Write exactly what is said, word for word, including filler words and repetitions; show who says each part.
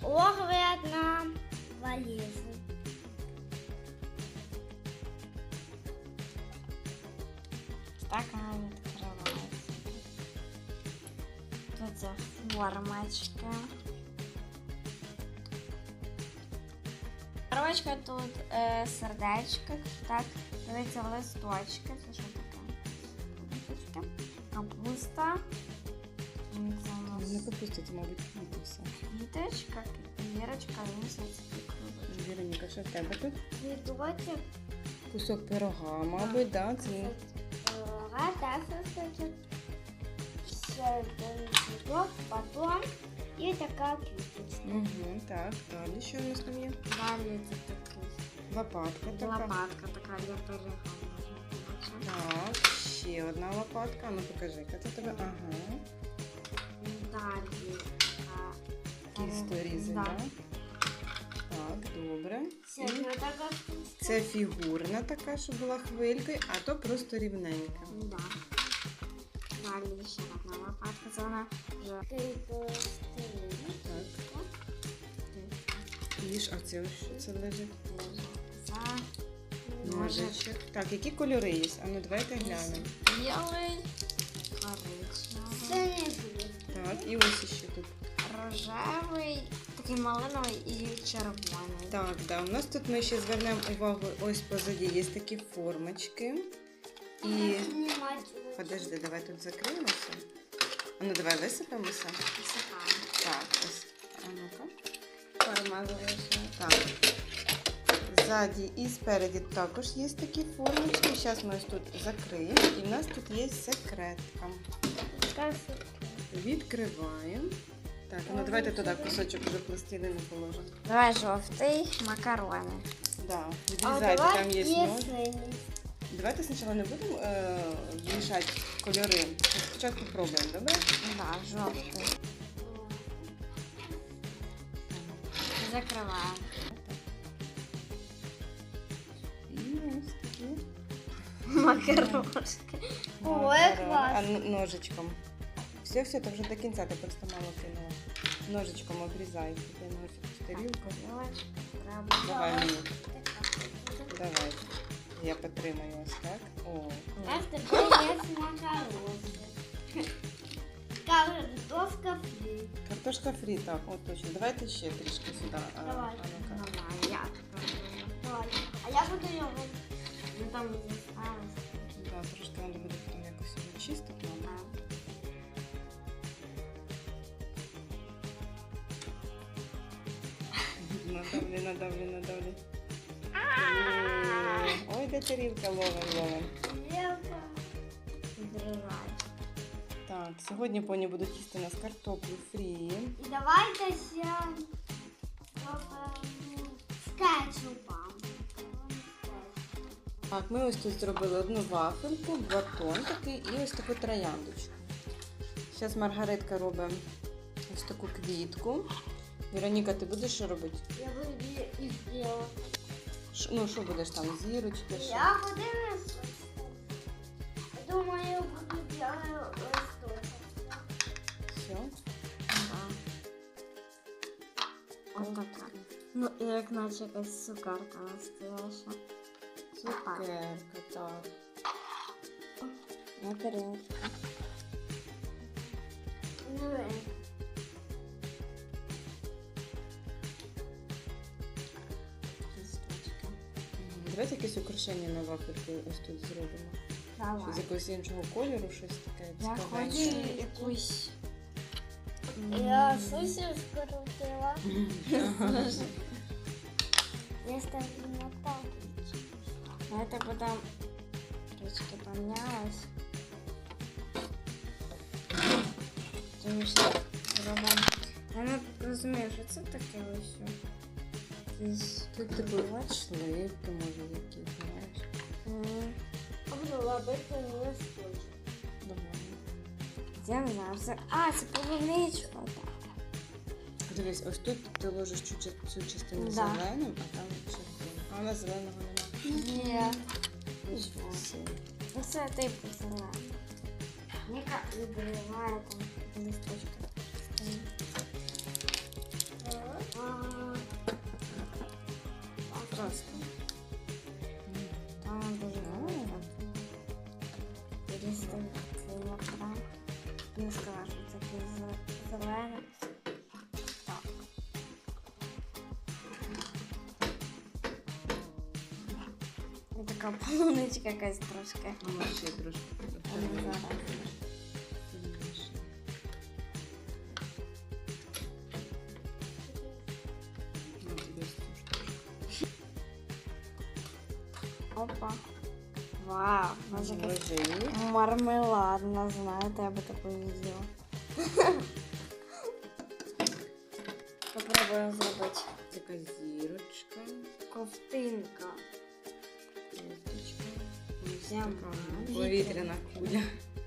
Speaker 1: огляд на валізу. Так вона відкривається. Тут ця формочка. Коробочка тут е, сердечко, так, дивіться листочки, це що таке? Листочки. Капуста. Це у нас...
Speaker 2: Не капуста, це, мабуть, квіти все.
Speaker 1: Квіточка, вірочка, місяць.
Speaker 2: Віроніка, що в тебе тут?
Speaker 1: Квіточок.
Speaker 2: Кусок пирога, мабуть, да? Це...
Speaker 1: Пирога, так, кусочок. Ще один цвіток, батон і така квіточка.
Speaker 2: Угу, так, далі що у нас там є?
Speaker 1: Далі це такий.
Speaker 2: Лопатка така.
Speaker 1: Лопатка така для пирога.
Speaker 2: Так, ще одна лопатка. Ну покажи, яка це тебе. Ага.
Speaker 1: Далі така.
Speaker 2: Тісто різане.
Speaker 1: Да.
Speaker 2: Так, добре.
Speaker 1: Це
Speaker 2: І
Speaker 1: така.
Speaker 2: це фігурна така, що була хвилькою, а то просто рівненька.
Speaker 1: Да. Далі ще одна лопатка, це вона вже.
Speaker 2: Так. Їж, а це що це лежить? Ножичок. Так, які кольори є? А ну давайте глянемо.
Speaker 1: Білий, коричневий.
Speaker 2: Так, і ось ще тут.
Speaker 1: Рожевий, такий малиновий і червоний.
Speaker 2: Так, да. У нас тут ми ще звернемо увагу, ось позаді є такі формочки. І... Подожди, давай тут закриємося. А ну давай висипемося.
Speaker 1: Висипаємо.
Speaker 2: Так, ось. А ну-ка.
Speaker 1: Форма залишилася.
Speaker 2: Так. Ззаді і спереді також є такі формочки. Зараз ми ось тут закриємо. І в нас тут є секретка. Відкриваємо. Так, ну давайте туди кусочок вже пластилину положимо.
Speaker 1: Давай жовтий, макарони.
Speaker 2: Да, відрізайте, там є нож. Давайте спочатку не будемо е, мішати кольори. Спочатку пробуємо, добре?
Speaker 1: Да, жовтий. Закриваємо.
Speaker 2: І ось такі.
Speaker 1: Макарошки.
Speaker 2: Ой, клас. А ножичком. Все, все, це вже до кінця, ти просто мало кинула. Ножичком обрізай. Ти ножик в тарілку. Давай мені. Давай. Я потримаю ось так. О.
Speaker 1: А тепер є макарошки. Картошка фрі.
Speaker 2: Картошка фрі, так, от точно. Давайте ще трішки сюди. А,
Speaker 1: Давай.
Speaker 2: а ну-ка.
Speaker 1: Давай, я Давай. А я буду його. Ну там не залишилось.
Speaker 2: Да, трошки треба буде потім якось його чистити. Надавлю, надавлю, надавлю. Ой, де тарілка, ловим, ловим. Так, сьогодні поні будуть їсти у нас картоплю фрі.
Speaker 1: І давайте ще з кетчупом.
Speaker 2: Так, ми ось тут зробили одну вафельку, батон такий і ось таку трояндочку. Зараз Маргаритка робить ось таку квітку. Вероніка, ти будеш що робити?
Speaker 1: Я буду і зробити.
Speaker 2: Ну, що будеш там, зірочки? Що?
Speaker 1: Я подивлюсь. Думаю, буду робити листочок.
Speaker 2: Все?
Speaker 1: Ага. Ось така. Ну, і як наче якась цукерка настояща.
Speaker 2: Цукерка, так.
Speaker 1: На тарілку. Ну,
Speaker 2: Давайте якесь украшення на вафельку ось тут зробимо.
Speaker 1: давай.
Speaker 2: З якогось іншого кольору, щось таке
Speaker 1: Я
Speaker 2: цікаве.
Speaker 1: хочу якусь... Я сусі скрутила. Я ставлю на паличку. А это потом трішки помнялось. Тому що зробимо. Я не розумію, що це таке ось. Якісь
Speaker 2: Тут типу сливки, може, якісь, знаєш.
Speaker 1: А буду робити не скотч.
Speaker 2: Давай.
Speaker 1: Я не знаю, це... А, це полуничка.
Speaker 2: Дивись, ось тут ти ложиш цю, цю частину
Speaker 1: Да.
Speaker 2: зеленим, а там червоним. А у нас зеленого немає.
Speaker 1: Ні.
Speaker 2: Нічого собі.
Speaker 1: Ну це типу зелена. Ніка відриває там листочка. просто. Там дуже велика. Різний кілограм. Не скажу, це такий зелений. Так. І така полуничка якась трошки.
Speaker 2: Ну, ще трошки.
Speaker 1: Але зараз. Опа. Вау, може якась мармеладна, знаєте, я би таку їла. Попробуємо зробити.
Speaker 2: Така зірочка.
Speaker 1: Ковтинка.
Speaker 2: Кофточка.
Speaker 1: Прямо.
Speaker 2: Повітряна куля.